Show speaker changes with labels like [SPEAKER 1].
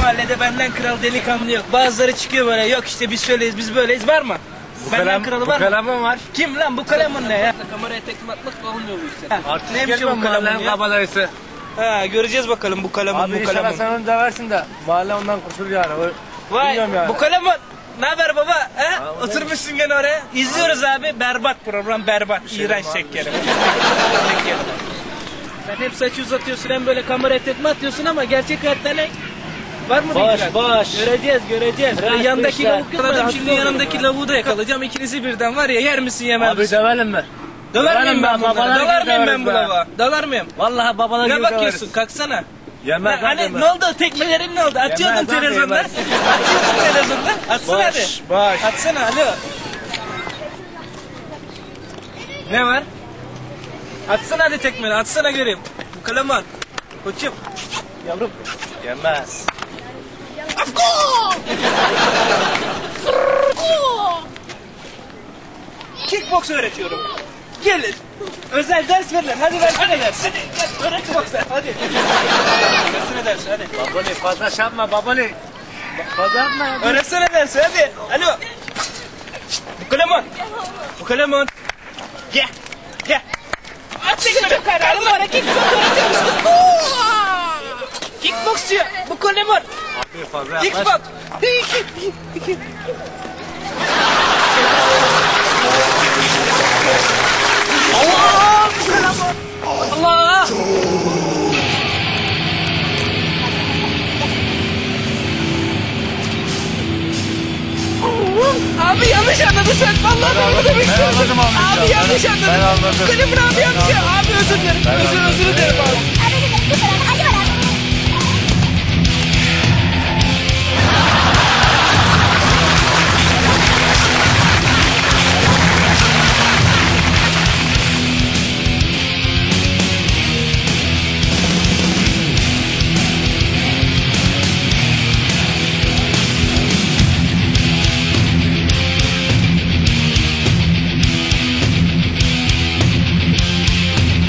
[SPEAKER 1] mahallede benden kral delikanlı yok. Bazıları çıkıyor böyle, yok işte biz şöyleyiz, biz böyleyiz, var mı? Benden kralı var mı?
[SPEAKER 2] Bu kalemim var.
[SPEAKER 1] Kim lan bu kalemun ne ya? Kameraya tekme atmak olmuyor bu işte.
[SPEAKER 2] Artık
[SPEAKER 1] Neymiş
[SPEAKER 2] gelmem
[SPEAKER 1] bu kalemun
[SPEAKER 2] mahallenin
[SPEAKER 1] ya?
[SPEAKER 2] kabalayısı.
[SPEAKER 1] Ha, göreceğiz bakalım bu kalemun,
[SPEAKER 2] Abi
[SPEAKER 1] bu
[SPEAKER 2] inşallah
[SPEAKER 1] kalemun.
[SPEAKER 2] sen onu döversin de mahalle ondan kurtulur yani.
[SPEAKER 1] Vay
[SPEAKER 2] Bilmiyorum yani.
[SPEAKER 1] bu kalemun. Ne haber baba? He? Oturmuşsun gene oraya. İzliyoruz abi. Berbat program, berbat. İğrenç şekerim. Sen hep saçı uzatıyorsun, hem böyle kameraya tekme atıyorsun ama gerçek hayatta ne? Var mı bilgiler?
[SPEAKER 2] Boş.
[SPEAKER 1] Göreceğiz.
[SPEAKER 2] Bırak
[SPEAKER 1] Yandaki
[SPEAKER 2] işte.
[SPEAKER 1] lavuk yakaladım, şimdi yanındaki lavuğu da yakalayacağım. İkinizi birden var ya, yer misin yemez
[SPEAKER 2] Abi
[SPEAKER 1] misin?
[SPEAKER 2] dövelim mi?
[SPEAKER 1] Dalar mıyım ben bunlara?
[SPEAKER 2] babalar
[SPEAKER 1] Dalar
[SPEAKER 2] gibi
[SPEAKER 1] mıyım ben
[SPEAKER 2] döveriz
[SPEAKER 1] bu
[SPEAKER 2] be.
[SPEAKER 1] lavuğa? Dalar mıyım?
[SPEAKER 2] Vallahi babalar gibi
[SPEAKER 1] Ne
[SPEAKER 2] döveriz.
[SPEAKER 1] bakıyorsun? Kalksana.
[SPEAKER 2] Yemez
[SPEAKER 1] Hani
[SPEAKER 2] yemez.
[SPEAKER 1] ne oldu? Tekmelerin ne oldu? Atıyordun
[SPEAKER 2] Yemez lan,
[SPEAKER 1] televizyonda.
[SPEAKER 2] yemez.
[SPEAKER 1] Atıyordun televizyonda. Atsana hadi.
[SPEAKER 2] Boş.
[SPEAKER 1] Atsana alo. Ne var? Atsana hadi tekmeni. Atsana göreyim. Bu kaleman. Koçum.
[SPEAKER 2] Yavrum. Yemez.
[SPEAKER 1] Kickbox öğretiyorum. Gelin. Özel ders verilir. Hadi versene ders. Hadi öğret boksa. Hadi. Versene ders hadi.
[SPEAKER 2] Babali fazla şey yapma babali. Fazla yapma ya.
[SPEAKER 1] Öğretsene dersi hadi. Alo. Şşt, bu kalemun. Bu kalemun. Gel. Gel. At tekme kararım var. Kickbox öğretiyormuş. Kickbox diyor. Bu kalemun.
[SPEAKER 2] Abi fazla yapma.
[SPEAKER 1] Kickbox. Allah! Bu kalemun. Allah! Abi yanlış anladın sen. Vallahi ben demek istiyorum.
[SPEAKER 2] anladım abi.
[SPEAKER 1] Abi yanlış anladın.
[SPEAKER 2] Ben anladım.
[SPEAKER 1] Kalemun abi yanlış. Abi özür dilerim. Özür dilerim abi.
[SPEAKER 3] Abi bu kadar acaba